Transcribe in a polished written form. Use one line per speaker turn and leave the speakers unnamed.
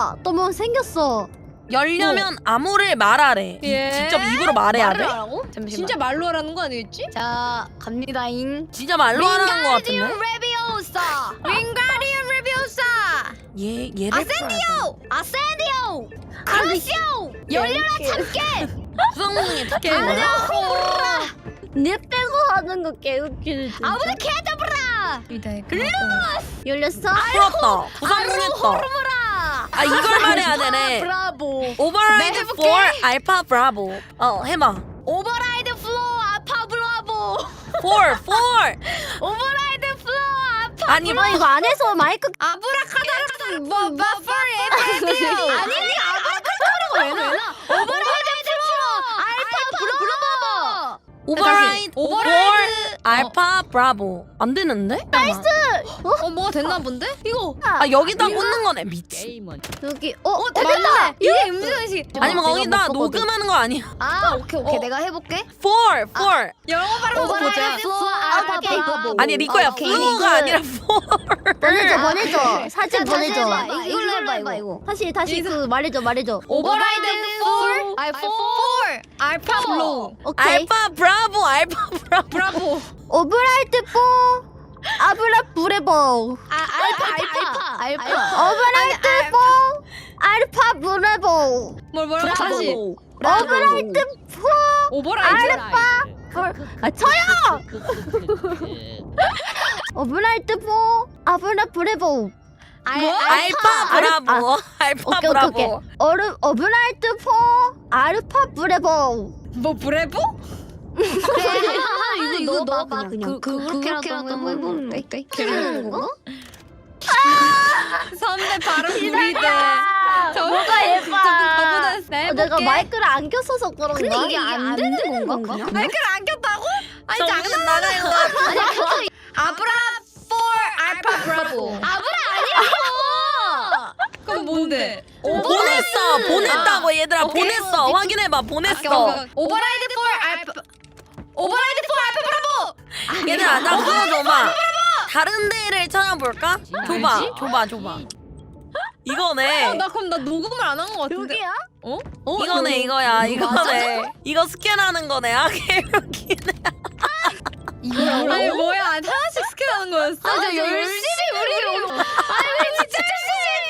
뭐야? 또 뭐 생겼어.
열려면 암호를 말하래.
예?
직접 입으로 말해야
말을
돼?
하라고?
잠시만.
진짜 말로 하라는 거 아니겠지?
자, 갑니다잉.
진짜 말로 하라는 거 같은데?
레비오사.
윙가리움 레비오사!
얘를
아센디오! 아센디오!
크라시오. 열려라 참깨.
구성능이 다
개구나.
거야?
내 빼고 하는 거 개웃기네. 진짜.
아무도 캐다브라!
열렸어?
풀었다. 구성능했다. 아 이걸 말해야 되네.
브라보.
오버라이드
해볼게.
4 알파 브라보. 해봐.
오버라이드 플로우 아파 브라보!
4
오버라이드 플로우 아파
아니
아 이거 안에서 마이크
아브라카다라 뭐 버퍼리 에프디오! 아니 아브라카다라고 왜 나? 오버라이드 플로우 알파 브라보!
오버라이드 4
오버라이드
알파 브라보. 안 되는데? 나이스.
뭐가 됐나 본데? 이거
아 여기다 꽂는 거네. 미친.
여기
맞네! 이게 음주의식!
아니면
내가
거기다
못 봤거든.
녹음하는 거 아니야?
아 오케이 내가 해볼게.
4
영어 발음 보자
플로우 알파 브라보.
아니 리코야
오케이,
플로우가
이거-
아니라 4
보내줘 사진 보내줘.
이걸로 해봐,
이거. 다시 그 말해줘.
오버라이드 4 알파 블로우
오케이.
알파 브라보 알파 브라보.
브라보
오브라이트 4 아브라 브레보.
알파
오브라이트 4 알파 브레보.
뭐라고 다시
오브라이트 4
오버라이드
아 쳐요. 오브라이트 4 아브라 브레보.
알파 브라보. 알파
오케이.
브라보.
오브라이트 4 알파 브레보.
뭐 브레보?
이거 넣어봐 그냥. 그렇게라도 한번 해보는 거 어때? 괜찮은 건가?
선배 발음 구리대
뭐가 예뻐.
저보다
내가 마이크를 안 꼈어서 그런가? 근데 이게 안 되는 건가? 그냥?
마이크를 안 꼈다고? 아니
정신
장난
나가 이거.
아브라 4 알파 브라보 그럼 뭔데?
보냈다고 얘들아.
오케이.
보냈어. 확인해봐. 보냈어.
오버라이드 4 알파 오버라이드 4 알파 브라보
얘들아 나 그거 줘봐. 다른 데를 찾아볼까? 줘봐. 이거네.
나 그럼 나 녹음을 안 한 거 같은데
여기야?
이거네 이거야. 이거네. 이거 스캔하는 거네. 아 개웃기네.
아니 뭐야 하나씩 스캔하는 거였어?
저 열심히 우리
아니 진짜 열심히